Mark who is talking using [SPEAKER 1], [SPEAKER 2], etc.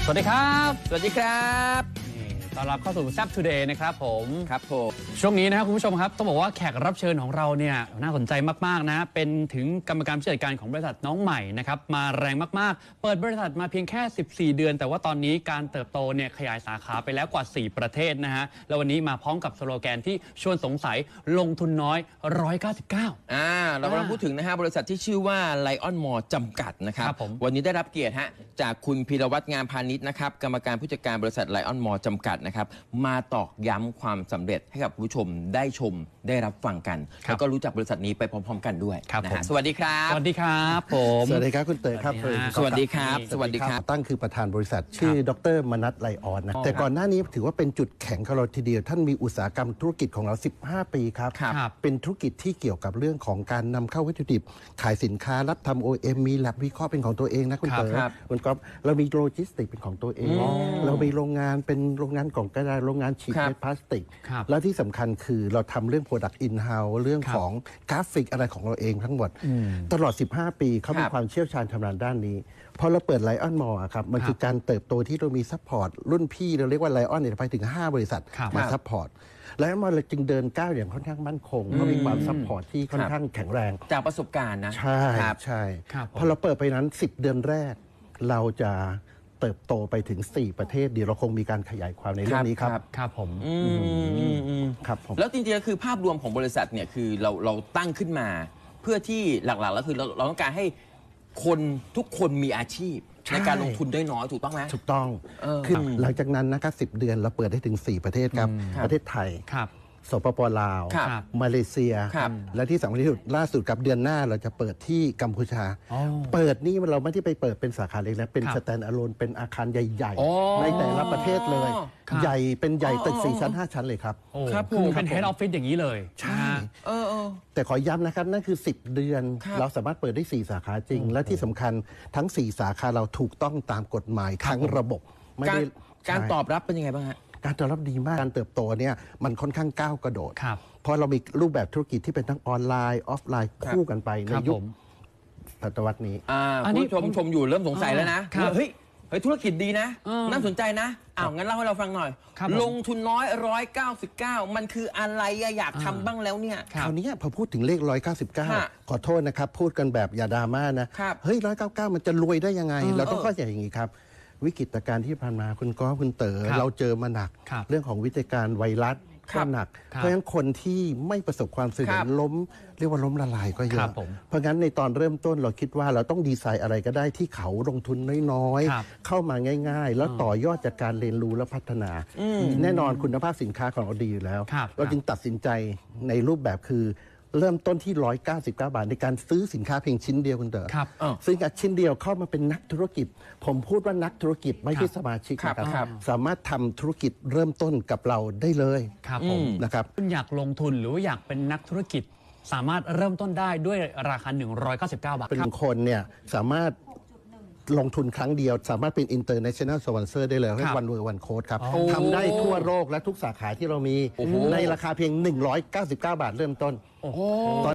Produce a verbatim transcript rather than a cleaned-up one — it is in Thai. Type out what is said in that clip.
[SPEAKER 1] วัสดีครับ
[SPEAKER 2] สวัสดีครับ
[SPEAKER 1] ต้อนรับเข้าสู่แซปทูเดย์นะครับผม
[SPEAKER 2] ครับผม
[SPEAKER 1] ช่วงนี้นะครับคุณผู้ชมครับต้องบอกว่าแขกรับเชิญของเราเนี่ยน่าสนใจมากๆนะเป็นถึงกรรมการผู้จัดการของบริษัทน้องใหม่นะครับมาแรงมากๆเปิดบริษัทมาเพียงแค่สิบสี่เดือนแต่ว่าตอนนี้การเติบโตเนี่ยขยายสาขาไปแล้วกว่าสี่ประเทศนะฮะแล้ววันนี้มาพร้อมกับสโลแกนที่ชวนสงสัยลงทุนน้อยหนึ่งร้อยเก้าสิบเก้า
[SPEAKER 2] อ่าเรากำลังพูดถึงนะฮะบริษัทที่ชื่อว่า Lion Mall จำกัดนะครับวันนี้ได้รับเกียรติฮะจากคุณพีรวัฒน์งามพาณิชย์นะครับกรรมการผู้จัดการบริษัท Lion Mall จำกัดนะครับมาตอกย้ำความสำเร็จให้กับผู้ชมได้ชมได้รับฟังกันแล้วก็รู้จักบริษัทนี้ไปพร้อมๆกันด้วยนะฮะสวัสดีครับ
[SPEAKER 1] สวัสดีครับผม
[SPEAKER 3] สวัสดีครับคุณเต๋อครับ
[SPEAKER 2] สวัสดีครับสวัสดีครับ
[SPEAKER 3] ตั้งคือประธานบริษัทชื่อดรมนัสไลออนนะแต่ก่อนหน้านี้ถือว่าเป็นจุดแข็งของเราทีเดียวท่านมีอุตสาหกรรมธุรกิจของเราสิบห้าปีครับเป็นธุรกิจที่เกี่ยวกับเรื่องของการนำเข้าวัตถุดิบขายสินค้ารับทำ โอ เอ็ม มีแลบวิเคราะห์เป็นของตัวเองนะคุณเต๋อคุณก๊อฟเรามีโลจิสติกเป็นของตัวเองเรามีโรงงานเป็นโรงงานกล่องกระดาษโรงงานฉีดเม็ดพลาสติกแล้วที่สำคัญคือเราทำเรื่อง Product In-house เรื่องของกราฟิกอะไรของเราเองทั้งหมดตลอดสิบห้าปีเขามีความเชี่ยวชาญชำนาญด้านนี้พอเราเปิดไลออนมอลล์ครับมันคือการเติบโตที่เรามีซัพพอร์ตรุ่นพี่เราเรียกว่าไลออนเนี่ยไปถึงห้าบริษัทมาซัพพอร์ตไลออนมอลล์จึงเดินก้าวอย่างค่อนข้างมั่นคงเพราะมีความซัพพอร์ตที่ค่อนข้างแข็งแรง
[SPEAKER 2] จากประสบการณ์นะ
[SPEAKER 3] ใช่ใช่พอเราเปิดไปนั้นสิบเดือนแรกเราจะเติบโตไปถึงสี่ประเทศเดี๋ยวเราคงมีการขยายความในเรื่องนี้ครับ
[SPEAKER 1] ครับผม
[SPEAKER 3] ครับผม
[SPEAKER 2] แล้วจริงๆคือภาพรวมของบริษัทเนี่ยคือเราเราตั้งขึ้นมาเพื่อที่หลักๆแล้วคือเราเราต้องการให้คนทุกคนมีอาชีพในการลงทุนได้น้อยถูกต้องไหม
[SPEAKER 3] ถูกต้องคือหลังจากนั้นนะครับสิบเดือนเราเปิดได้ถึงสี่ประเทศครับประเทศไทยสปป.ลาวมาเลเซียและที่สำคัญที่สุดล่าสุดกับเดือนหน้าเราจะเปิดที่กัมพูชาเปิดนี่เราไม่ได้ไปเปิดเป็นสาขาเล็กนะเป็นสแตนด์อะโลนเป็นอาคารใหญ่ๆในแต่ละประเทศเลยใหญ่เป็นใหญ่ตึกสี่ชั้นห้าชั้นเลยครับ
[SPEAKER 1] ครับคือเป็นเฮดออฟฟิศอย่างนี้เลย
[SPEAKER 3] ใช่แต่ขอย้ำนะครับนั่นคือสิบเดือนเราสามารถเปิดได้สี่สาขาจริงและที่สำคัญทั้งสี่สาขาเราถูกต้องตามกฎหมายทั้งระบบ
[SPEAKER 2] ไม่ได้การตอบรับเป็นยังไงบ้างฮะ
[SPEAKER 3] การตอบรับดีมากการเติบโตเนี่ยมันค่อนข้างก้าวกระโดดเพราะเรามีรูปแบบธุรกิจที่เป็นทั้งออนไลน์ออฟไลน์คู่กันไปในยุคศตวรรษนี้
[SPEAKER 2] คุณผู้ชมชมอยู่เริ่มสงสัยแล้วนะเฮ้ยเฮ้ยธุรกิจดีนะน่าสนใจนะอ้าวงั้นเล่าให้เราฟังหน่อยลงทุนน้อยหนึ่งร้อยเก้าสิบเก้ามันคืออะไรอยากทำบ้างแล้วเนี่ย
[SPEAKER 3] คราวนี้พอพูดถึงเลขหนึ่งร้อยเก้าสิบเก้าขอโทษนะครับพูดกันแบบอย่าดราม่านะเฮ้ยหนึ่งร้อยเก้าสิบเก้ามันจะรวยได้ยังไงเราต้องเข้าใจอย่างนี้ครับวิกฤตการณ์ที่ผ่านมาคุณก้อคุณเต๋อเราเจอมาหนักเรื่องของวิกฤตการณ์ไวรัสก็หนักเพราะฉะนั้นคนที่ไม่ประสบความสำเร็จล้มเรียกว่าล้มละลายก็เยอะเพราะงั้นในตอนเริ่มต้นเราคิดว่าเราต้องดีไซน์อะไรก็ได้ที่เขาลงทุนน้อยๆเข้ามาง่ายๆแล้วต่อยอดจากการเรียนรู้และพัฒนาแน่นอนคุณภาพสินค้าของเราดีอยู่แล้วเราจึงตัดสินใจในรูปแบบคือเริ่มต้นที่หนึ่งร้อยเก้าสิบเก้าบาทในการซื้อสินค้าเพียงชิ้นเดียวคุณเต๋อซื้อกับชิ้นเดียวเข้ามาเป็นนักธุรกิจผมพูดว่านักธุรกิจไม่ใช่สมาชิกนะครับสามารถทำธุรกิจเริ่มต้นกับเราได้เลย
[SPEAKER 1] ครับผม
[SPEAKER 3] นะครับ
[SPEAKER 1] คุณอยากลงทุนหรือว่าอยากเป็นนักธุรกิจสามารถเริ่มต้นได้ด้วยราคาหนึ่งร้อยเก้าสิบเก้าบาท
[SPEAKER 3] เป็นคนเนี่ยสามารถลงทุนครั้งเดียวสามารถเป็น international sponsor ได้เลยเรียกวันรวยวันโค้ดครับทำได้ทั่วโลกและทุกสาขาที่เรามีในราคาเพียงหนึ่งร้อยเก้าสิบเก้าบาทเริ่มต้น